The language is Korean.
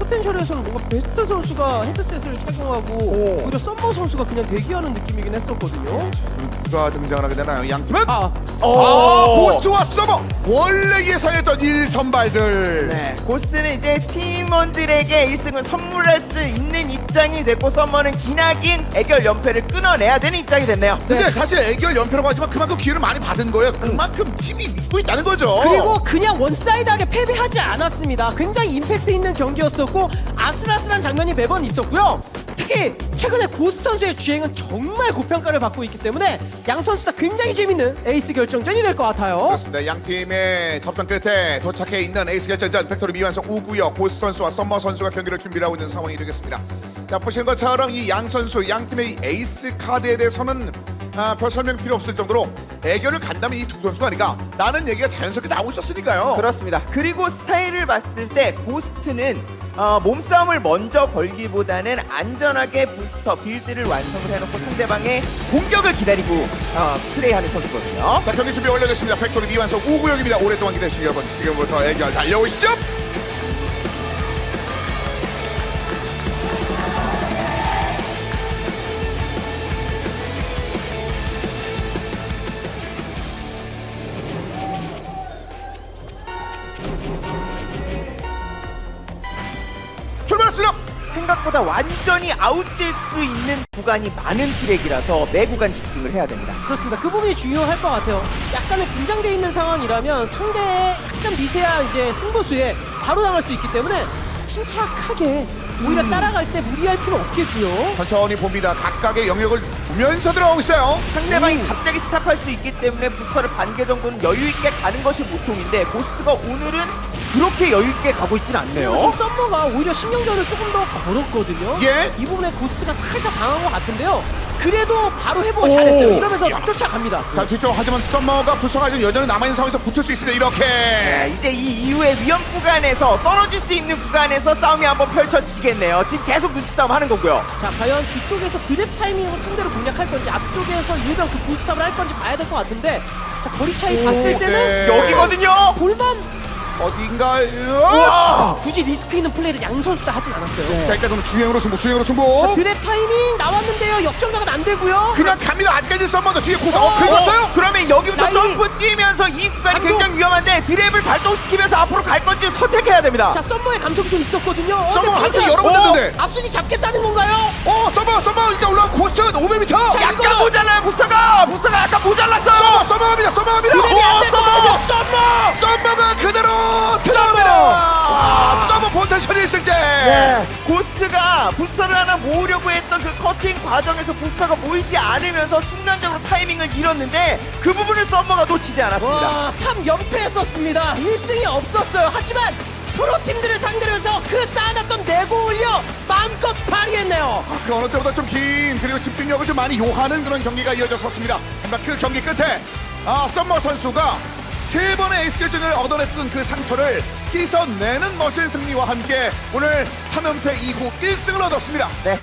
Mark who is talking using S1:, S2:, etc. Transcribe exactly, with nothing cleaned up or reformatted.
S1: 포텐셜에서는 뭔가 베스트 선수가 헤드셋을 착용하고
S2: 오.
S1: 오히려 썸머 선수가 그냥 대기하는 느낌이긴 했었거든요.
S3: 누가 등장을 하게 되나요? 양팀은
S1: 아,
S3: 아, 고스트와 서버 원래 예상했던 일 선발들.
S2: 네, 고스트는 이제 팀원들에게 일 승을 선물할 수 있는 입장이 됐고 썸머는 기나긴 애결 연패를 끊어내야 되는 입장이 됐네요.
S3: 근데
S1: 네.
S3: 사실 애결 연패라고 하지만 그만큼 기회를 많이 받은 거예요. 그만큼 팀이 믿고 있다는 거죠.
S1: 그리고 그냥 원사이드하게 패배하지 않았습니다. 굉장히 임팩트 있는 경기였었고 아슬아슬한 장면이 매번 있었고요. 특히 최근에 고스 선수의 주행은 정말 고평가를 받고 있기 때문에 양 선수 다 굉장히 재밌는 에이스 결정전이 될 것 같아요.
S3: 그렇습니다. 양 팀의 접전 끝에 도착해 있는 에이스 결정전 팩토리 미완성 우구역 고스 선수와 썸머 선수가 경기를 준비하고 있는 상황이 되겠습니다. 자, 보시는 것처럼 이 양 선수 양 팀의 이 에이스 카드에 대해서는 아, 별 설명 필요 없을 정도로 애결을 간다면 이 두 선수가 아니까 라는 얘기가 자연스럽게 나오고 있었으니까요.
S2: 그렇습니다. 그리고 스타일을 봤을 때 고스트는 어, 몸싸움을 먼저 걸기보다는 안전하게 부스터 빌드를 완성을 해놓고 상대방의 공격을 기다리고 어, 플레이하는 선수거든요.
S3: 자, 경기 준비 완료됐습니다. 팩토리 미완성 우구역입니다. 오랫동안 기다리신 여러분, 지금부터 애결 달려오시죠. 출발했습니다.
S2: 생각보다 완전히 아웃될 수 있는 구간이 많은 트랙이라서 매 구간 집중을 해야 됩니다.
S1: 그렇습니다. 그 부분이 중요할 것 같아요. 약간의 긴장돼 있는 상황이라면 상대의 약간 미세한 이제 승부수에 바로 당할 수 있기 때문에 침착하게 오히려 따라갈 때 무리할 필요 없겠고요.
S3: 천천히 봅니다. 각각의 영역을 두면서 들어가고 있어요.
S2: 상대방이
S1: 음.
S2: 갑자기 스탑할 수 있기 때문에 부스터를 반개 정도는 여유 있게 가는 것이 보통인데 고스트가 오늘은 그렇게 여유 있게 가고 있진 않네요.
S1: 지금 썸머가 오히려 신경전을 조금 더 걸었거든요.
S3: 예.
S1: 이 부분에 고스트가 살짝 당한 것 같은데요. 그래도 바로 회복을 잘했어요. 이러면서 쫓아갑니다.
S3: 자, 뒤쪽 하지만 썸머가 부서가 좀 여전히 남아있는 상황에서 붙을 수 있습니다. 이렇게.
S2: 네, 이제 이 이후에 위험 구간에서 떨어질 수 있는 구간에서 싸움이 한번 펼쳐지겠네요. 지금 계속 눈치 싸움 하는 거고요.
S1: 자, 과연 뒤쪽에서 그랩 타이밍으로 상대를 공략할 건지 앞쪽에서 일병 그 부스탑을 할 건지 봐야 될 것 같은데 자, 거리 차이 봤을 때는
S3: 네.
S2: 여기거든요.
S1: 볼만
S3: 어딘가요?
S2: 우와!
S1: 굳이 리스크 있는 플레이를 양 선수 다 하진 않았어요.
S3: 자, 일단 그럼 주행으로 승부, 주행으로 승부.
S1: 드랩 타이밍 나왔는데요. 역전각은 안 되고요.
S3: 그냥 갑니다. 아직까지 썸머도 뒤에 고서.
S1: 어,
S3: 어, 긁었어요?
S2: 그러면 여기부터
S1: 라인이-
S2: 점프 뛰면서 이 구간이
S1: 감독!
S2: 굉장히 위험한데 드랩을 발동시키면서 앞으로 갈 건지 선택해야 됩니다.
S1: 자, 썸머의 감속이 좀 있었거든요. 어,
S3: 썸머
S1: 근데
S3: 한참
S1: 페이드가-
S3: 여러 번
S1: 어,
S3: 됐는데.
S1: 앞순위 잡겠다는 건가요?
S3: 어, 썸머, 썸머 이제 올라온 고스트 오백 미터.
S1: 자,
S2: 약간
S1: 이거-
S2: 모자라요 부스터가. 부스터가 약간 모자랐어요.
S3: 썸머, 썸머 갑니다. 썸머 갑니다.
S1: 드랩이 안 될
S3: 썸머,
S1: 거거든요. 썸머!
S3: 썸머가 그대로 들어갑니다. 아, 썸머 포텐셜 일 승제.
S2: 네. 고스트가 부스터를 하나 모으려고 했던 그 커팅 과정에서 부스터가 모이지 않으면서 순간적으로 타이밍을 잃었는데 그 부분을 썸머가 놓치지 않았습니다.
S1: 와, 삼 연패했었습니다. 일 승이 없었어요. 하지만 프로팀들을 상대로 해서 그 쌓아놨던 내고 올려 마음껏 발휘했네요.
S3: 그 어느 때보다 좀 긴 그리고 집중력을 좀 많이 요하는 그런 경기가 이어졌었습니다. 하지만 그 경기 끝에 아, 썸머 선수가 세 번의 에이스 결정을 얻어냈던 그 상처를 씻어내는 멋진 승리와 함께 오늘 삼 연패 이후 일 승을 얻었습니다.
S2: 네,